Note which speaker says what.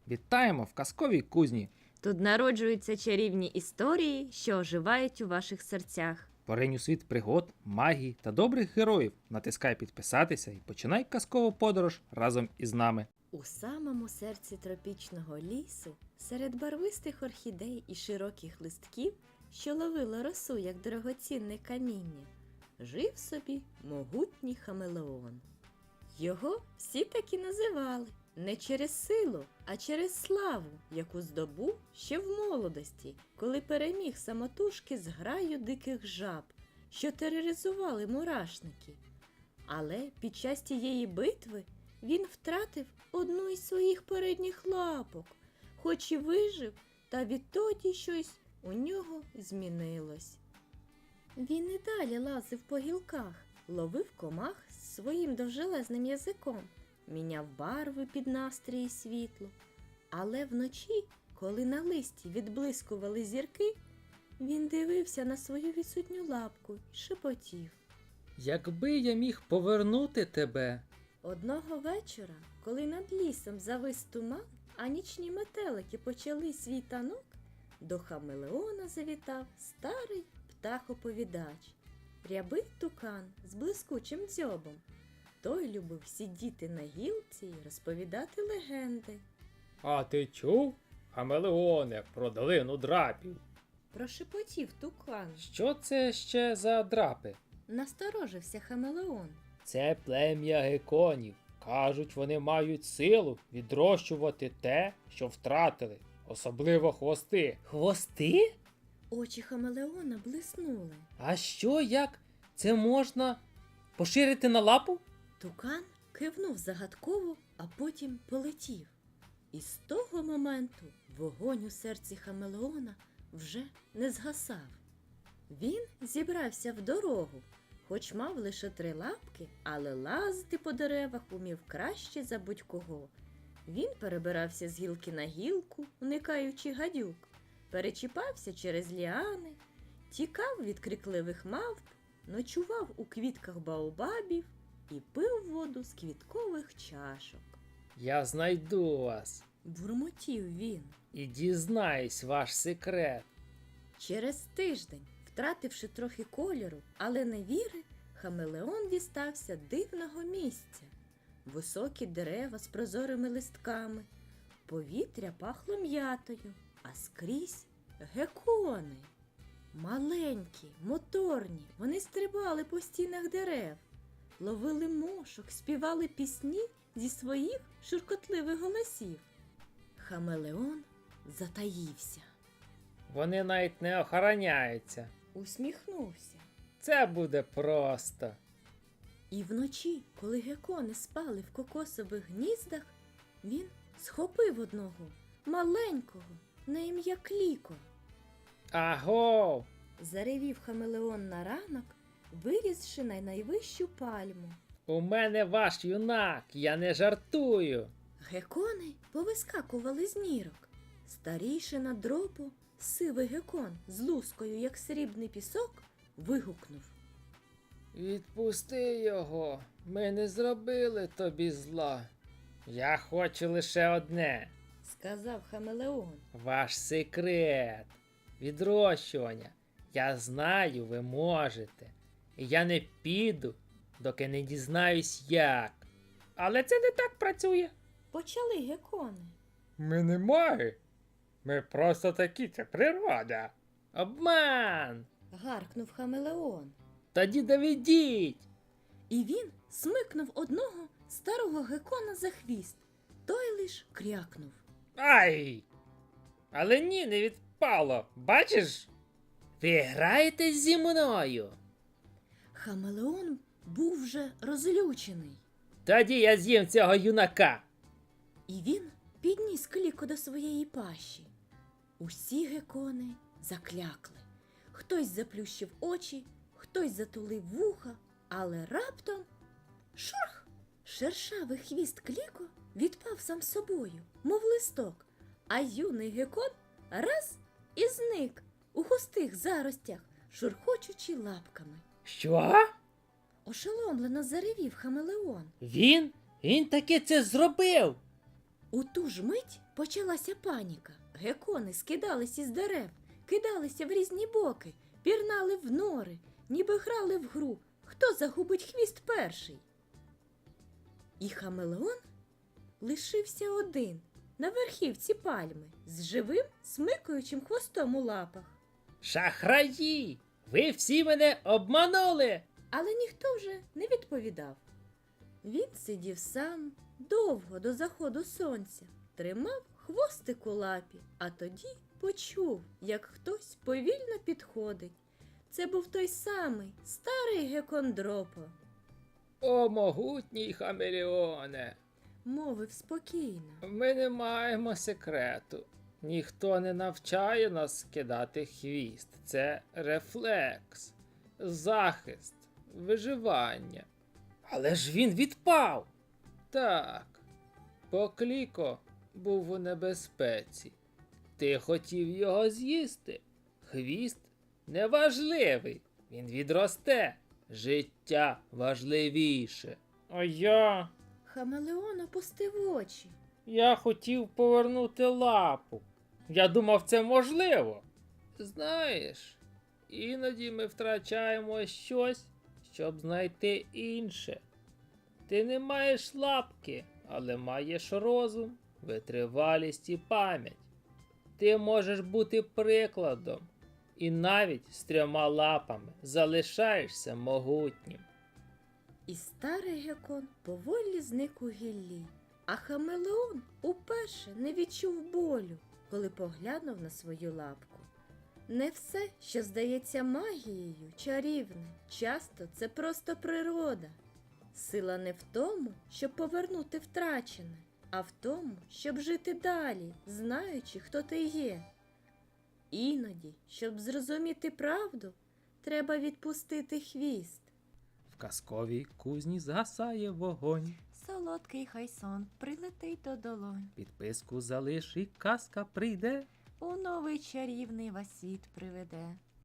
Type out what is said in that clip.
Speaker 1: Вітаємо в казковій кузні.
Speaker 2: Тут народжуються чарівні історії, що оживають у ваших серцях.
Speaker 1: Поринь у світ пригод, магії та добрих героїв. Натискай підписатися і починай казкову подорож разом із нами.
Speaker 2: У самому серці тропічного лісу, серед барвистих орхідей і широких листків, що ловило росу, як дорогоцінне каміння, жив собі могутній хамелеон. Його всі так і називали не через силу, а через славу, яку здобув ще в молодості, коли переміг самотужки з граю диких жаб, що тероризували мурашники. Але під час тієї битви він втратив одну із своїх передніх лапок, хоч і вижив, та відтоді щось у нього змінилось. Він і далі лазив по гілках, ловив комах своїм довжелезним язиком, міняв барви під настрій і світло. Але вночі, коли на листі відблискували зірки, він дивився на свою відсутню лапку й шепотів.
Speaker 1: Якби я міг повернути тебе.
Speaker 2: Одного вечора, коли над лісом завис туман, а нічні метелики почали свій танок, до хамелеона завітав старий птах-оповідач, рябий тукан з блискучим дзьобом. Той любив сидіти на гілці й розповідати легенди.
Speaker 1: А ти чув, хамелеоне, про долину драпів?
Speaker 2: Прошепотів тукан.
Speaker 1: Що це ще за драпи?
Speaker 2: Насторожився хамелеон.
Speaker 1: Це плем'я геконів. Кажуть, вони мають силу відрощувати те, що втратили, особливо хвости. Хвости?
Speaker 2: Очі хамелеона блиснули.
Speaker 1: А що, як це можна поширити на лапу?
Speaker 2: Тукан кивнув загадково, а потім полетів. І з того моменту вогонь у серці хамелеона вже не згасав. Він зібрався в дорогу, хоч мав лише 3 лапки, але лазити по деревах умів краще за будь-кого. Він перебирався з гілки на гілку, уникаючи гадюк, перечіпався через ліани, тікав від крикливих мавп, ночував у квітках баобабів і пив воду з квіткових чашок.
Speaker 1: Я знайду вас
Speaker 2: Бурмотів він.
Speaker 1: і дізнаюсь ваш секрет.
Speaker 2: Через тиждень, втративши трохи кольору, але не віри, хамелеон дістався дивного місця. Високі дерева з прозорими листками, повітря пахло м'ятою, а скрізь гекони. Маленькі, моторні, вони стрибали по стінах дерев, ловили мошок, співали пісні зі своїх шуркотливих голосів. Хамелеон затаївся.
Speaker 1: Вони навіть не охороняються.
Speaker 2: Усміхнувся.
Speaker 1: Це буде просто.
Speaker 2: І вночі, коли гекони спали в кокосових гніздах, він схопив одного, маленького, на ім'я Кліко.
Speaker 1: Агов!
Speaker 2: Заревів хамелеон на ранок, вирісши на найвищу пальму.
Speaker 1: У мене ваш юнак, я не жартую.
Speaker 2: Гекони повискакували з нірок. Старійшина дропу, сивий гекон з лускою, як срібний пісок, вигукнув.
Speaker 1: Відпусти його, ми не зробили тобі зла. Я хочу лише одне.
Speaker 2: Сказав хамелеон.
Speaker 1: Ваш секрет. Відрощування. Я знаю, ви можете. І я не піду, доки не дізнаюсь як. Але це не так працює.
Speaker 2: Почали гекони.
Speaker 1: Ми не маги. Ми просто такі, це природа. Обман!
Speaker 2: Гаркнув хамелеон.
Speaker 1: Тоді доведіть.
Speaker 2: І він смикнув одного старого гекона за хвіст. Той лиш крякнув.
Speaker 1: Ай! Але ні, не відпало. Бачиш? Ви граєтесь зі мною.
Speaker 2: Хамелеон був вже розлючений.
Speaker 1: Тоді я з'їм цього юнака.
Speaker 2: І він підніс Кліко до своєї пащі. Усі гекони заклякли. Хтось заплющив очі, хтось затулив вуха, але раптом шурх! Шершавий хвіст Кліко відпав сам собою, мов листок, а юний гекон раз і зник у густих заростях, шурхочучи лапками.
Speaker 1: Що?
Speaker 2: Ошеломлено заревів хамелеон.
Speaker 1: Він? Він таки це зробив.
Speaker 2: У ту ж мить почалася паніка. Гекони скидались із дерев, кидалися в різні боки, пірнали в нори, ніби грали в гру, хто загубить хвіст перший. І хамелеон лишився один на верхівці пальми з живим смикаючим хвостом у лапах.
Speaker 1: Шахраї! Ви всі мене обманули!
Speaker 2: Але ніхто вже не відповідав. Він сидів сам довго до заходу сонця, тримав хвостик у лапі, а тоді почув, як хтось повільно підходить. Це був той самий старий Гекондропо.
Speaker 1: О, могутній хамелеоне!
Speaker 2: Мовив спокійно.
Speaker 1: Ми не маємо секрету. Ніхто не навчає нас скидати хвіст. Це рефлекс, захист, виживання. Але ж він відпав. Так, Покліко був у небезпеці. Ти хотів його з'їсти. Хвіст неважливий. Він відросте. Життя важливіше. А я...
Speaker 2: Хамелеон опустив очі.
Speaker 1: Я хотів повернути лапу. Я думав, це можливо. Знаєш, іноді ми втрачаємо щось, щоб знайти інше. Ти не маєш лапки, але маєш розум, витривалість і пам'ять. Ти можеш бути прикладом, і навіть з 3 лапами залишаєшся могутнім.
Speaker 2: І старий Гекон поволі зник у гіллі, а хамелеон уперше не відчув болю, коли поглянув на свою лапку. Не все, що здається магією, чарівне, часто це просто природа. Сила не в тому, щоб повернути втрачене, а в тому, щоб жити далі, знаючи, хто ти є. Іноді, щоб зрозуміти правду, треба відпустити хвіст.
Speaker 1: В казковій кузні згасає вогонь.
Speaker 2: Солодкий хай сон прилетить до долонь,
Speaker 1: Підписку залиш і казка прийде.
Speaker 2: у новий чарівний вас світ приведе.